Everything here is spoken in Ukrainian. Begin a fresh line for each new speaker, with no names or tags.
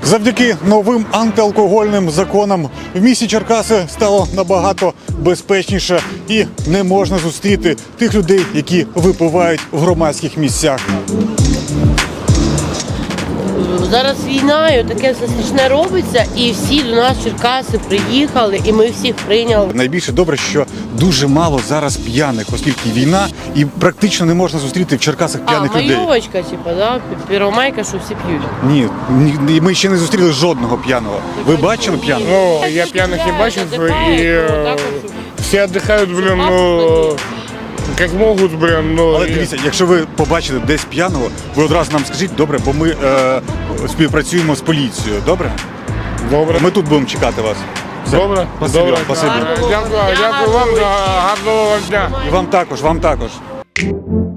Завдяки новим антиалкогольним законам в місті Черкаси стало набагато безпечніше і не можна зустріти тих людей, які випивають в громадських місцях.
Зараз війна, і таке все страшне робиться, і всі до нас в Черкаси приїхали, і ми всіх прийняли.
Найбільше добре, що дуже мало зараз п'яних, оскільки війна, і практично не можна зустріти в Черкасах п'яних людей.
Майовочка, типу, да? Первомайка, що всі п'ють.
Ні, ми ще не зустріли жодного п'яного. Ви бачили п'яного?
Ну, я пьяных не бачив, и все отдыхают, блин, ну, как могут, блин, ну.
Але дивіться, якщо ви побачите десь п'яного, ви одразу нам скажіть, добре, бо ми співпрацюємо з поліцією, добре?
Добре.
Ми тут будемо чекати вас. Все.
Добре,
Спасибі
добре.
вам, спасибі.
Дякую вам, гарного вам дня.
І вам також, вам також.